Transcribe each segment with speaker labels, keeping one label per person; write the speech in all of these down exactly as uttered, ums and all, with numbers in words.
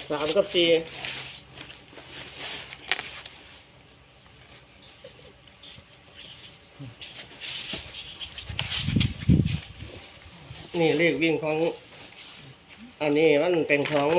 Speaker 1: สามกับสี่นี่เลขวิ่งของอันนี้มันเป็นของ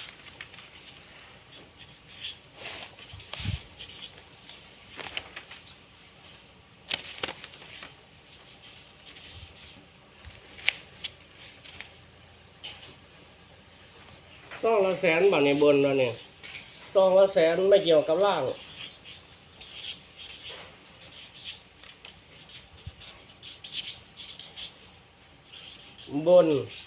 Speaker 1: ซองละแสนบาทในบนแล้วเนี่ยซองละแสนไม่เกี่ยวกับล่างบน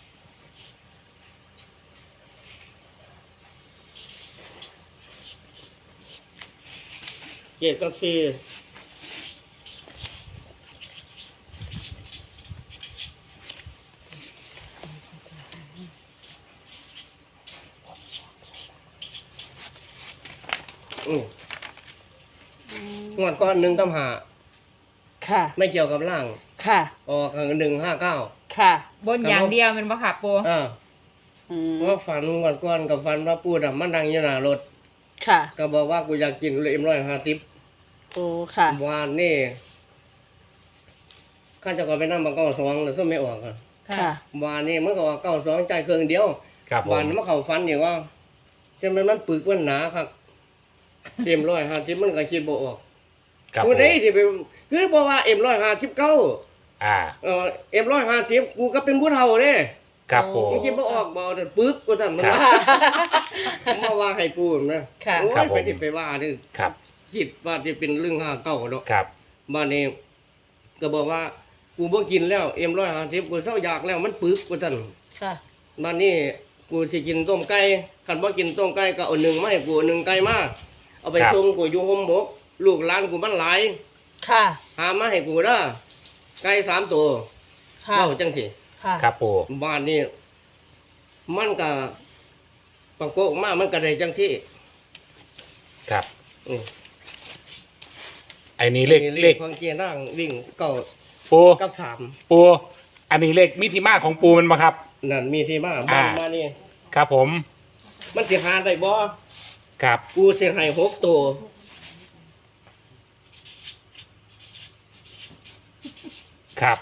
Speaker 1: เจ็ดกับสี่อืมงวดก้อนหนึ่งกับหา
Speaker 2: ค่ะ
Speaker 1: ไม่เกี่ยวกับล่าง
Speaker 2: ค่ะ
Speaker 1: ออกหนึ่งห้าเก้า
Speaker 2: ค่ะ
Speaker 3: บนอย่างเดียวมันบ่ค่ะปู
Speaker 1: อ่า
Speaker 2: อืม
Speaker 1: เพราะฝันงวดก้อนกับฝันว่าปูดำมันดังอยู่หน้ารถ
Speaker 2: ค่ะ
Speaker 1: ก็บอกว่ากูอยากกินเลยเอ็มร้อยห้าสิบ
Speaker 2: โอ้ ค่ะ
Speaker 1: วานนี่ข้าจะก็ไปนั่งมาเก้าสองแล้วก็ไม่ออกอ่ะ
Speaker 2: ค่ะ
Speaker 1: วานนี่มันก็ว่าเก้าสองใจเครื่องเดียว
Speaker 4: ครับผม
Speaker 1: วานมันเขาฟันอยู่ว่าจะมันมันปึกมันหนาครับเอ็มร้อยห้าสิบมันก็คิดบ่ออก
Speaker 4: ครับ
Speaker 1: กู
Speaker 4: ผม
Speaker 1: ได้ที่ไปคือบอกว่าเอ็มร้อยห้าสิบเก้า
Speaker 4: อ่า
Speaker 1: เออเอ็มร้อยห้าสิบกูก็เป็นผู้เฒ่าเด้
Speaker 4: ครับผม
Speaker 1: ไม่คิดบ่ออกบ่แต่ปึกกูทำมัน
Speaker 4: ครับ
Speaker 1: ว่ามาว่าให้กูนะ
Speaker 2: ค่ะ
Speaker 1: โอ้
Speaker 4: ครับ
Speaker 1: ย
Speaker 4: ผม
Speaker 1: ไปที่ไปว่านี่
Speaker 4: ครับ
Speaker 1: คิดว่าที่เป็นเรื่องห้าเก้าเนาะ
Speaker 4: ครับ
Speaker 1: บ้านนี้ก็บอกว่ากูบ่กินแล้วเอ็มร้อยห้าสิบกูเศร้าอยากแล้วมันปึกกูท่าน
Speaker 2: ค่ะ
Speaker 1: บ้านนี้กูสิกินต้มไก่คันบ่กินต้มไก่ก็เอาหนึ่งมาให้กูเอาหนึ่งไก่มาเอาไปส่งกูอยู่โฮมบกลูกหลานกูมันหลาย
Speaker 2: ค่ะ
Speaker 1: หามาให้กูเด้อไก่สามตัว
Speaker 2: ค่ะ
Speaker 1: เว้าจังสิ
Speaker 2: ค่ะ
Speaker 4: ครับปู
Speaker 1: บ้านนี้มันก็ประกบมามันก็ได้จังสิ
Speaker 4: ครับ
Speaker 1: อืม
Speaker 4: ไอ้นี่เลข
Speaker 1: นี่
Speaker 4: เลข
Speaker 1: ของเกียร์นั่งวิ่งเก้า
Speaker 4: ปู
Speaker 1: กับสาม
Speaker 4: ปูอันนี้เลขมิติมาของปูมันมาครับ
Speaker 1: นั่นมีที่มาบ้าน
Speaker 4: อ่า
Speaker 1: มานี่
Speaker 4: ครับผม
Speaker 1: มันสิหาได้บ่
Speaker 4: ครับ
Speaker 1: กูสิให้หกตัว
Speaker 4: ครับ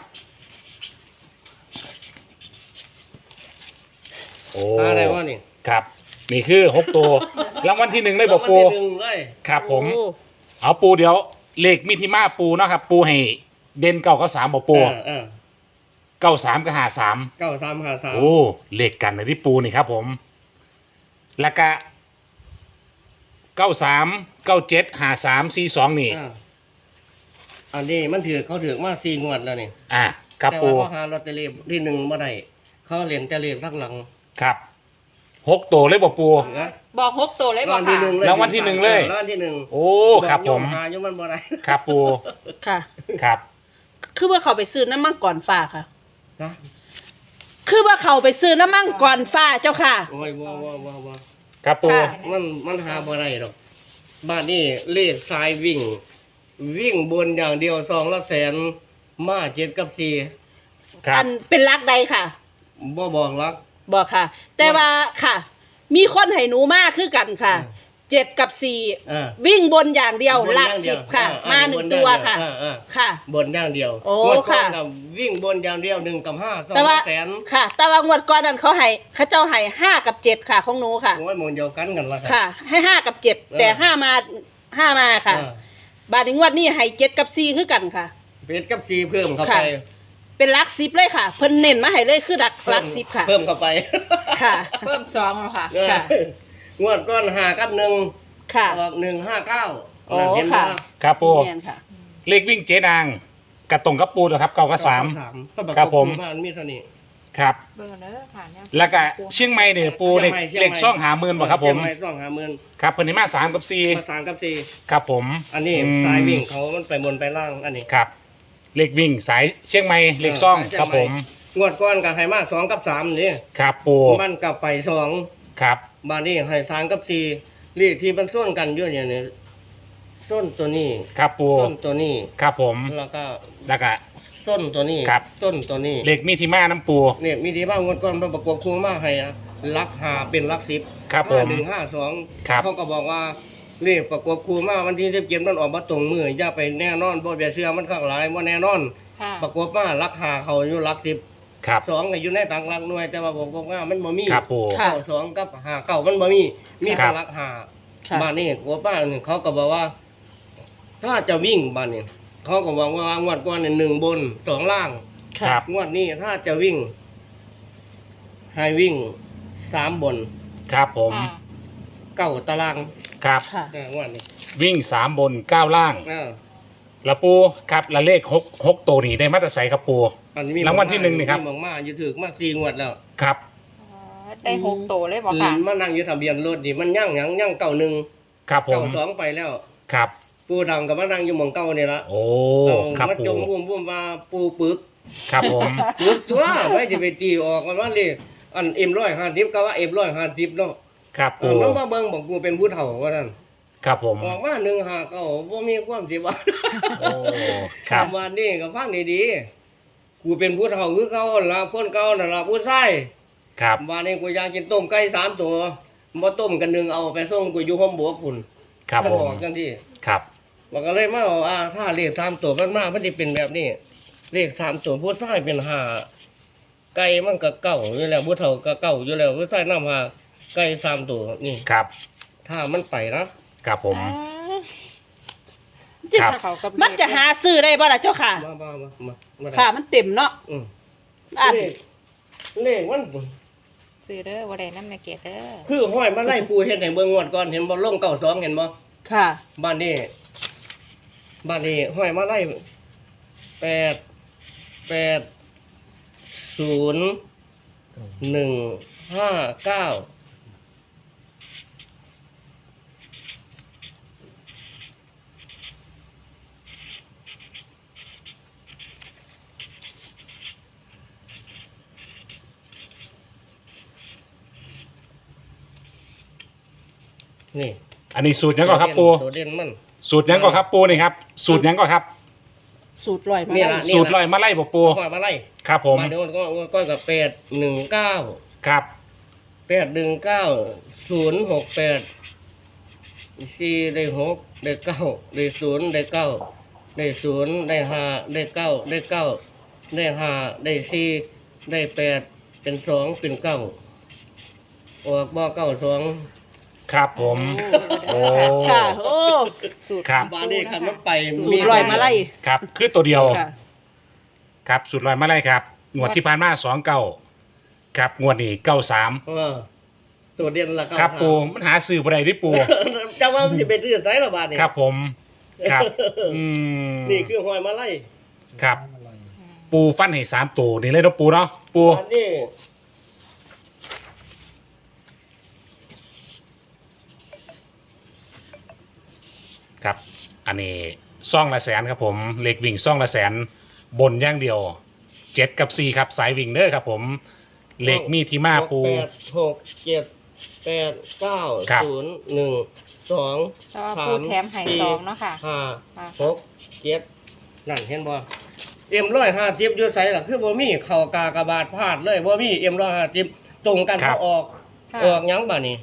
Speaker 4: โอ้
Speaker 1: หาได้บ่นี่
Speaker 4: ครับ นี่คือหกตัวรางวัลที่หนึ่งเลยบอกปู
Speaker 1: รางวัลที่หนึ่งเลย
Speaker 4: ครับผม
Speaker 2: โอ้
Speaker 4: เอาปูเดี๋ยวเลขมิติมาปูเนาะครับ ปูให้เด่นเก้ากับสามบอกปู
Speaker 1: เออเออ
Speaker 4: เก้าสามกับหาสาม
Speaker 1: เก้าสามห้าสาม
Speaker 4: โอ้เลขกันในที่ปูนี่ครับผม แล้วก็เก้าสามเก้าเจ็ดหาสามสี่สองนี่
Speaker 1: อ่าอันนี้มันถือเขาถือมาสี่งวดแล้วนี่
Speaker 4: อ่าครับ
Speaker 1: แต่
Speaker 4: ปู
Speaker 1: ว่าเขาหาลอตเตอรี่ที่หนึ่งมาได้เขาเหรียญแต่เหรียญทั้งหลัง
Speaker 4: ครับหกตัวเลยบอกปู
Speaker 1: นะ
Speaker 3: บอกหกตัวเลย
Speaker 1: ราง
Speaker 3: บ่
Speaker 1: วัลที่
Speaker 3: ค่ะ
Speaker 1: หนึ่งเลย
Speaker 4: รางวัลที่หนึ่งเลย
Speaker 1: รางวัลที่หนึ่ง
Speaker 4: โอ้ครับผม
Speaker 1: อกโยหาอยู่มันบ่ได้
Speaker 4: ครับปู
Speaker 2: ค่ะ
Speaker 4: ครับ
Speaker 2: คือว่าเขาไปซื้อน้ำมังก่อนฟ้าค่ะ
Speaker 1: นะ
Speaker 2: คือว่าเขาไปซื้อน้ำมังก่อนฟ้าเจ้าค่ะ
Speaker 1: โอ้ยว้าวว้าวว้าวว้าว
Speaker 4: ครับปู
Speaker 2: ค่ะ
Speaker 1: มันมันหาบ่ได้หรอกบ้านนี้เลขสายวิ่ง วิ่งบนอย่างเดียวสองละแสนมาเจ็ดกับสี่
Speaker 4: ครับ
Speaker 2: อันเป็นรักใดค่ะ
Speaker 1: บ่บอกรัก
Speaker 2: บอกค่ะ แต่ว่าค่ะ มีคนให้หนูมากคือกันค่ะ
Speaker 1: อ่า
Speaker 2: เจ็ดกับสี่
Speaker 1: อ่า
Speaker 2: วิ่งบนอย่างเดียว
Speaker 1: บน
Speaker 2: หลัก
Speaker 1: อย่างเดี
Speaker 2: สิ
Speaker 1: ยว
Speaker 2: บค่ะ
Speaker 1: อ่า
Speaker 2: มา
Speaker 1: อ่า
Speaker 2: หนึ่ง
Speaker 1: บน
Speaker 2: ตัว
Speaker 1: อย่างเดียว
Speaker 2: ค่ะ
Speaker 1: อ่าอ่า
Speaker 2: ค่ะ
Speaker 1: บนอย่างเดียว
Speaker 2: โอ้
Speaker 1: งวดก่อน
Speaker 2: ค่ะ
Speaker 1: น่วิ่งบนอย่างเดียวหนึ่งกับห้าสอง
Speaker 2: แต่ว่า
Speaker 1: แสน
Speaker 2: ค่ะ แต่ว่างวดก่อนนั้นเขาให้เขาเจ้าให้ห้ากับเจ็ดค่ะของหนูค่ะ
Speaker 1: โอ้ยหมันเดียวกันกันละ
Speaker 2: ค่ะ ให้ห้ากับเจ็ด
Speaker 1: เออ
Speaker 2: แต่ห้ามาห้ามาค่ะ
Speaker 1: อ่า
Speaker 2: บาทนี้งวดนี้ให้เจ็ดกับสี่คือกันค่ะ
Speaker 1: เป็ดกับสี่เพิ่มเข้า
Speaker 2: ค่ะ
Speaker 1: ไป
Speaker 2: เป็นหลักสิบเลยค่ะ เพิ่นเน้นมาให้เลยคือหลักหลักสิบค่ะ
Speaker 1: เพิ่มเข้าไป
Speaker 2: ค่ะ
Speaker 3: เพิ่มสองแล้วค่ะ
Speaker 1: เออ
Speaker 2: ค่ะ
Speaker 1: งวดก้อนห้ากับหนึ่ง
Speaker 2: ค่ะ
Speaker 1: ออกหนึ่งห้าเก้า
Speaker 2: โอ้
Speaker 1: เห็น
Speaker 2: ค่ะ
Speaker 1: บ่
Speaker 4: ครับปู
Speaker 2: แม่นค่ะ
Speaker 4: เลขวิ่งเจ๊นางกระตรงกับปูนะครับเก้ากับสาม
Speaker 1: ก็บอก
Speaker 4: ครับผม
Speaker 1: ว่ามันมีเท่านี้
Speaker 4: ครับ
Speaker 3: เบิ่งเด้อค่ะเนี่ย
Speaker 4: แล้วก็เชียงใหม่เนี่ยปูเลข
Speaker 1: ชียงใหม่
Speaker 4: เลขช่องหาหมื่นบ่ครับผม
Speaker 1: เชียงใหม่ช่องหาหมื่น
Speaker 4: ครับเพิ่นให้มาสามกับสี่
Speaker 1: ภาษากับสี่
Speaker 4: ครับผม
Speaker 1: อันนี้
Speaker 4: อืม
Speaker 1: สายวิ่งเขามันไปบนไปล่างอันนี้
Speaker 4: ครับ เลขวิ่งสายเชียงใหม่เลขช่อง
Speaker 1: เชีย
Speaker 4: ครับ
Speaker 1: ให
Speaker 4: ผม
Speaker 1: งวดก้อนกับไฮมาสองกับสามนี่
Speaker 4: ครับปู
Speaker 1: มันกับไปสอง
Speaker 4: ครับ
Speaker 1: บานนี้ไฮสามกับสี่เลขที่มันส้นกันอยู่อย่างนี้ส้นตัวนี้
Speaker 4: ครับปู
Speaker 1: ส้นตัวนี้
Speaker 4: ครับผม
Speaker 1: แล้วก็
Speaker 4: แล้วก็
Speaker 1: ส้นตัวนี้
Speaker 4: ครับ
Speaker 1: ส้นตัวนี้
Speaker 4: เลขมีที่มาน้ำปู
Speaker 1: เนี่ยมีที่บ้างงวดก้อนมันประกบคู่มาให้อะลักหาเป็นลักสิบ
Speaker 4: ครับผม
Speaker 1: ห้าหนึ่งห้าสอง
Speaker 4: ครับ
Speaker 1: เขาก็บอกว่าเลขประกบคู่มาวันที่สิบเจ็ดมันออกมาตรงมืออย่าไปแน่นอนบ่อย่าเชื่อมันข้างหลายบ่แน่นอน
Speaker 3: ค่ะ
Speaker 1: ประกบมาลักหาเขาอยู่ลักสิบ
Speaker 4: ครับ
Speaker 1: สองก็อยู่ในต่างหลักหน่วยแต่ว่าผมก็ว่ามันบ่มี
Speaker 4: ครับปู
Speaker 2: ค่ะ
Speaker 1: เก้าสองกับหาเก้ามันบ่มีมี
Speaker 4: ครั
Speaker 1: แต่
Speaker 4: บ
Speaker 1: ลักหา
Speaker 2: ค่ะ
Speaker 1: บ้านนี้กบบ้านนี่เขาก็บอกว่า ถ้าจะวิ่งบ้านนี้เขาก็บอกว่างวดก่อนเนี่ยหนึ่งบนสองล่าง
Speaker 4: ครับ
Speaker 1: งวดนี้ถ้าจะวิ่ง ให้วิ่งสามบน
Speaker 4: ครับผม
Speaker 3: ค่ะ
Speaker 1: เก้าตาราง
Speaker 4: ครับ
Speaker 2: ค่ะ
Speaker 1: เอองวดนี้
Speaker 4: วิ่งสามบนเก้าล่าง
Speaker 1: เออ
Speaker 4: แล้วปูครับและเลขหกหกตัวนี้ได้มาตรใสครับปู
Speaker 1: อันนี้มี
Speaker 4: รางวัลที่หนึ่งนี่ครับ
Speaker 1: มีมากๆอยู่ถึกมาสี่งวดแล้ว
Speaker 4: ครับ
Speaker 3: อ๋อได้หกโตเลยบ่
Speaker 1: อื่
Speaker 3: ค่ะ
Speaker 1: นมานั่งอยู่ทะเบียนรถนี่มันยั่งหยังยั่งเก้าหนึ่ง
Speaker 4: ครับผ
Speaker 1: เก้าม สองไปแล้ว
Speaker 4: ครับ
Speaker 1: ปูดำกับมานั่งอยู่หมองเก้านี่ละ
Speaker 4: โอ้
Speaker 1: เออ
Speaker 4: ครับ
Speaker 1: มา
Speaker 4: ปู
Speaker 1: จมวุ่มวุ่มว่าปูปึก
Speaker 4: ครับผม
Speaker 1: ปึกตัวไม่จะไปตีออกกันว่าเลยอันเอ็มร้อยห้าสิบก็ว่าเอ็มร้อยห้าสิบเนาะ
Speaker 4: ครับ
Speaker 1: เอ
Speaker 4: ปู
Speaker 1: อมันมาเบิ่งบอกกูเป็นผู้เฒ่าว่านั่น
Speaker 4: ครับผม
Speaker 1: ออกมาหนึ่งหาเก้าบ่มีความสิว่า
Speaker 4: โอ้ครับ
Speaker 1: วันนี้ก็ฟังดีๆกูเป็นผู้เฒ่าคือเก่าล่ะคนเก่านั่นล่ะผู้ชาย
Speaker 4: ครับ
Speaker 1: วันนี้กูอยากกินต้มไก่สามตัวบ่ต้มกันหนึงเอาไปส่งกูอยู่ห้องบวกพุ่น
Speaker 4: ครับ
Speaker 1: มัน
Speaker 4: ผ
Speaker 1: บ
Speaker 4: ม
Speaker 1: อกจังซี่
Speaker 4: ครับ
Speaker 1: มันก็เลยมาบอกว่าถ้าเลขสามตัวมันมามันสิเป็นแบบนี้เลขสามตัวผู้ชายเป็นห้าไก่มันก็เก้าอยู่แล้วผู้เฒ่าก็เก้าอยู่แล้วผู้ชายนำหาไก่สามตัวนี่
Speaker 4: ครับ
Speaker 1: ถ้ามันไปนะครับ
Speaker 4: ผม
Speaker 2: จะ
Speaker 4: ครับ
Speaker 3: เขากับ
Speaker 2: มันจะหาซื้อได้บ่ล่ะเจ้าค่ะ
Speaker 1: มามามามามาได้
Speaker 2: ค่ะ มันเต็มเนาะ
Speaker 1: อืม
Speaker 2: อ่ะ
Speaker 1: เลขเลขมัน
Speaker 3: ซื้อเด้อบ่ได้นำแม่เกดเด้อ
Speaker 1: คือห้อยมาไล่ปูเฮ็ดให้เบิ่งงวดก่อนเห็นบ่ลงเก้าสองเห็นบ่
Speaker 2: ค่ะ
Speaker 1: บ้านนี้บ้านนี้ห้อยมาไล่แปดแปดศูนย์หนึ่งห้าเก้านี่
Speaker 4: อันนี้สูตรยังก็ครับปู
Speaker 1: ตัวเด่นมัน
Speaker 4: สูตรยังก็ครับปูนี่ครับ สูตรยังก็ครับ
Speaker 2: สูตรลอยมา
Speaker 1: นี่
Speaker 2: ได้
Speaker 1: ล่ะ
Speaker 4: สูตรลอยมาไล่บ่ปู
Speaker 1: ห้อยมาไล่
Speaker 4: ครับผม
Speaker 1: มาเดี๋ยวก็ก็กับแปดหนึ่งเก้า
Speaker 4: ครับ
Speaker 1: แปดหนึ่งเก้าศูนย์หกแปดสี่ได้หกได้เก้าได้ศูนย์ได้เก้าได้ศูนย์ได้ห้าได้เก้าได้เก้าได้ห้าได้สี่ได้แปดเป็นสองเป็นเก้าออกบ่เก้าสอง
Speaker 4: ครับผม โอ้
Speaker 2: ค่ะ โอ้
Speaker 3: สูตร
Speaker 4: ครับ
Speaker 1: บาดนี้คันมันไป
Speaker 2: สูตรลอยมาไล่
Speaker 4: ครับ คือตัวเดียว
Speaker 2: ค่ะ
Speaker 4: ครับ สูตรลอยมาไล่ครับ งวดที่ผ่านมาสองเก้าครับ งวดนี้เก้าสาม
Speaker 1: เออตัวเด่นละเก้า
Speaker 4: ครับ
Speaker 1: สาม
Speaker 4: ปู มันหาซื้อบ่ได้ที่ปู
Speaker 1: จะว่ามันจะไปซื้อไสละบาดนี้
Speaker 4: ครับผม ครับ อืม
Speaker 1: นี่คือหอยมาไล่
Speaker 4: ครับ ปูฟันให้สามตัวนี่เลยเนาะปูเนาะ ปู
Speaker 1: บาดนี้
Speaker 4: ครับ อันนี้ซ่องละแสนครับผมเหล็กวิ่งซ่องละแสน บนอย่างเดียวเจ็ดกับสี่ครับ สายวิ่งเด้อครับผมเหล็กมีที่มาปู
Speaker 1: หกแปดหกเจ็ดแปดเก้า
Speaker 4: ครับ
Speaker 1: ศูนย์หนึ่งสอง
Speaker 3: แต่ว่า
Speaker 1: สา
Speaker 3: ปู
Speaker 1: ม
Speaker 3: แถมให้
Speaker 1: สี่
Speaker 3: สองเนาะค่ะ
Speaker 1: ห้า
Speaker 3: ค่ะ
Speaker 1: หกเจ็ดนั่นเห็นบ่เอ็มร้อยห้าสิบอยู่ไสล่ะคือบ่มีเข่ากากระบาดพลาดเลยบ่มีเอ็มร้อยห้าสิบตรงกัน
Speaker 4: ครั
Speaker 1: พ
Speaker 4: บ
Speaker 1: อออก
Speaker 3: ค่ะ
Speaker 1: ออกหยังบ่นี่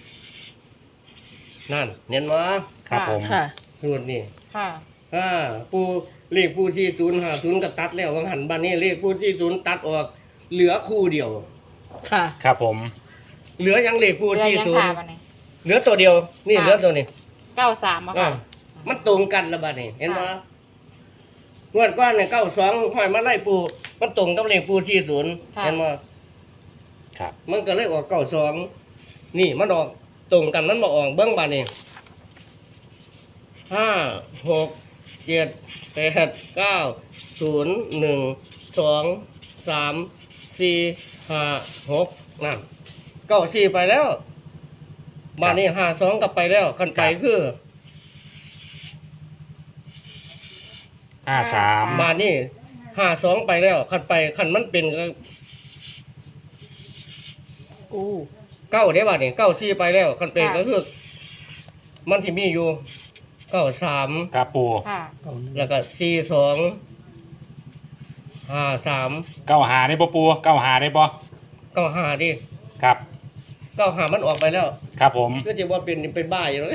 Speaker 1: นั่นเห็นบ่
Speaker 4: ครับผม
Speaker 2: ค่ะ
Speaker 1: สูตรนี่
Speaker 3: ค่ะ
Speaker 1: อ่าปูเลขปูที่ศูนย์ห้าศูนย์ก็ตัดแล้วว่าหันบ้านนี้เลขปูที่ศูนย์ตัดออก เหลือคู่เดียว
Speaker 2: ค่ะ
Speaker 4: ครับผม
Speaker 1: เหลือยังเลขปู
Speaker 3: เรือ
Speaker 1: ที่
Speaker 3: ยัง
Speaker 1: ศูน
Speaker 3: ค่ะ
Speaker 1: ย์
Speaker 3: บัดนี้
Speaker 1: เหลือตัวเดียว นี่
Speaker 3: ค่ะ
Speaker 1: เหลือตัวนี้
Speaker 3: เก้าสามบ่
Speaker 1: อ่า
Speaker 3: ค่ะ
Speaker 1: มันตรงกันละบัดนี้เห็นไหม
Speaker 3: ค่ะ
Speaker 1: งวดก้อนเนี่ยเก้าสองห้อยมาไล่ปู มันตรงกับเลขปูที่ศูนย์
Speaker 3: ค่ะ
Speaker 1: เห็นไหม
Speaker 4: ครับ
Speaker 1: มันก็เลยออกเก้าสองนี่มันออกตรงกันมันมาออกเบื้องบัดนี้ห้าหกเจ็ดแปดเก้าศูนย์หนึ่งสองสามสี่ห้าหกนั่นเก้าสี่ไปแล้วบัดนี้ห้าสองกลับไปแล้วคันไปคือ
Speaker 4: ห้าสาม
Speaker 1: บาทนี่ห้าสองไปแล้วคันไปคันมันเป็นก็
Speaker 2: โอ้
Speaker 1: เก้าได้บาทนี่เก้าสี่ไปแล้วคันเป็น
Speaker 3: ค่ะ
Speaker 1: ก็คือมันที่มีอยู่เก้าสาม
Speaker 4: ครับปู
Speaker 3: ค่ะ
Speaker 1: แล้วก็สี่สองห้าสาม
Speaker 4: เก้าหาได้ปะปูเก้าหาได้ปะ
Speaker 1: เก้าห้าดิ
Speaker 4: ครับ
Speaker 1: เก้าหามันออกไปแล้ว
Speaker 4: ครับผม
Speaker 1: ก็จะว่าเป็นเป็นบ้าอยู่แล้ว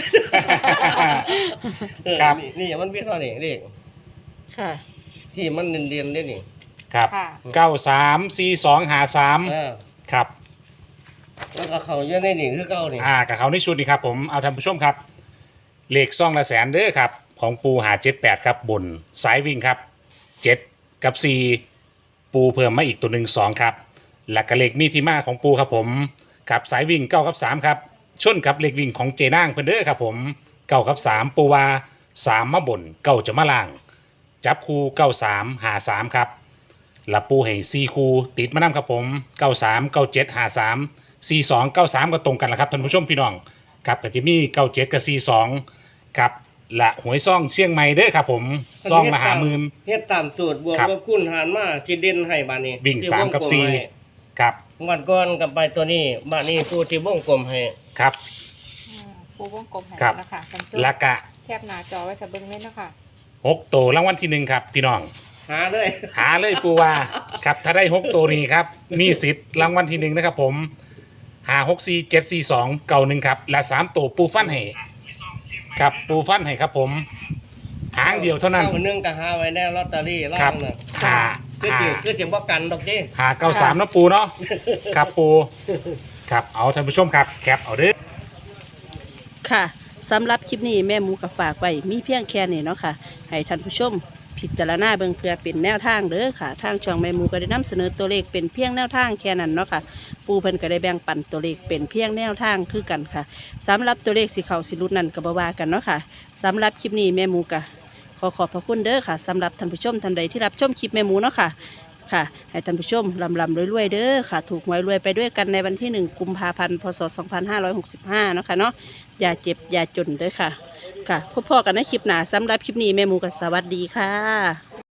Speaker 1: เออ
Speaker 4: ครับ
Speaker 1: นี่นี่มันเป็นเท่านี้เลข
Speaker 2: ค่ะ
Speaker 1: ที่มันเรียนๆได้นี่
Speaker 4: ครับ
Speaker 3: ค่ะ
Speaker 4: เก้าสามสี่สองหาสาม
Speaker 1: เออ
Speaker 4: ครับ
Speaker 1: แล้วก็เขาเยอะในนี่คือเก้านี่
Speaker 4: อ่ากับเขาในชุดนี้ครับผมเอาท่านผู้ชมครับเลขซ่องละแสนเด้อครับของปูหาเจ็ดแปดครับบนสายวิ่งครับเจ็ดกับสี่ปูเพิ่มมาอีกตัวหนึ่งสองครับและกระเลขมีที่มาของปูครับผมกับสายวิ่งเก้ากับสามครับชนกับเลขวิ่งของเจนางเพิ่นเด้อครับผมเก้ากับสามปูว่าสามมาบนเก้าจะมาล่าง จับคูเก้าสามหาสามครับและปูให้สี่คูติดมานำครับผมเก้าสามเก้าเจ็ดหาสามสี่สองเก้าสามก็ตรงกันแล้วครับท่านผู้ชมพี่น้องครับกับจิมี่เก้าเจ็ดกับสี่สองครับและหวยซ่องเชียงใหม่เด้อครับผมซ่องละหาหมื่น
Speaker 1: เฮ็ดตามสูตรบวก
Speaker 4: ครับ
Speaker 1: ลบคูณหารมาสิเด่นให้บาดนี้
Speaker 4: วิ่ง
Speaker 1: ที่
Speaker 4: สามกับ
Speaker 1: วงล
Speaker 4: สี่
Speaker 1: ให้
Speaker 4: ครับ
Speaker 1: วันก่อนกับไปตัวนี้บาดนี้ผู้ที่วงกลมให้
Speaker 4: ครับ
Speaker 3: อืมปูวงกลมให้
Speaker 4: ครับ
Speaker 3: แล้วค่ะท่านผู้ชม
Speaker 4: และกะ
Speaker 3: แคบหน้าจอไว้ถ้าเบิ่งเล่นเนาะค่ะ
Speaker 4: หกตัวรางวัลที่หนึ่งครับพี่น้อง
Speaker 1: หาเลย
Speaker 4: หาเลยปูว่าครับถ้าได้หกตัวนี้ครับมีสิทธิ์รางวัลที่หนึ่งนะครับผมหาหกสี่เจ็ดสี่สองเก่าหนึ่งครับและสามตัวปูฟันให้ครับปูฟันให้ครับผมหางเดียวเท่านั้น
Speaker 1: ก้หนึงก็หาไว้แน่ลอตเตอรี่ล่า
Speaker 4: ครับ
Speaker 1: งน่ะ
Speaker 4: หา
Speaker 1: คือ
Speaker 4: หา
Speaker 1: สิคือสิบ่กันดอกติ
Speaker 4: หาเก้าสามนะปูเนาะครับปูครับเอาท่านผู้ชมครับแคปเอาเด้อ
Speaker 2: ค่ะสำหรับคลิปนี้แม่หมูกับฝากไว้มีเพียงแค่นี้เนาะค่ะให้ท่านผู้ชมพิจารณาเบิ่งเพื่อเป็นแนวทางเด้อค่ะ ทางช่องแม่หมูก็ได้นำเสนอตัวเลขเป็นเพียงแนวทางแค่นั้นเนาะค่ะปูเพิ่นก็ได้แบ่งปันตัวเลขเป็นเพียงแนวทางคือกันค่ะสำหรับตัวเลขสีเขาสิรุดนั่นก็บ่ว่ากันเนาะค่ะสำหรับคลิปนี้แม่หมูก็ขอขอบพระคุณเด้อค่ะสำหรับท่านผู้ชมท่านใดที่รับชมคลิปแม่หมูเนาะค่ะค่ะให้ท่านผู้ชมลำลำรวยๆเด้อค่ะถูกหวยรวยไปด้วยกันในวันที่หนึ่งกุมภาพันธ์พศสองพันห้าร้อยหกสิบห้าเนาะค่ะเนาะอย่าเจ็บอย่าจนเด้อค่ะค่ะพบพอกันในคลิปหน้าสำหรับคลิปนี้แม่หมูก็สวัสดีค่ะ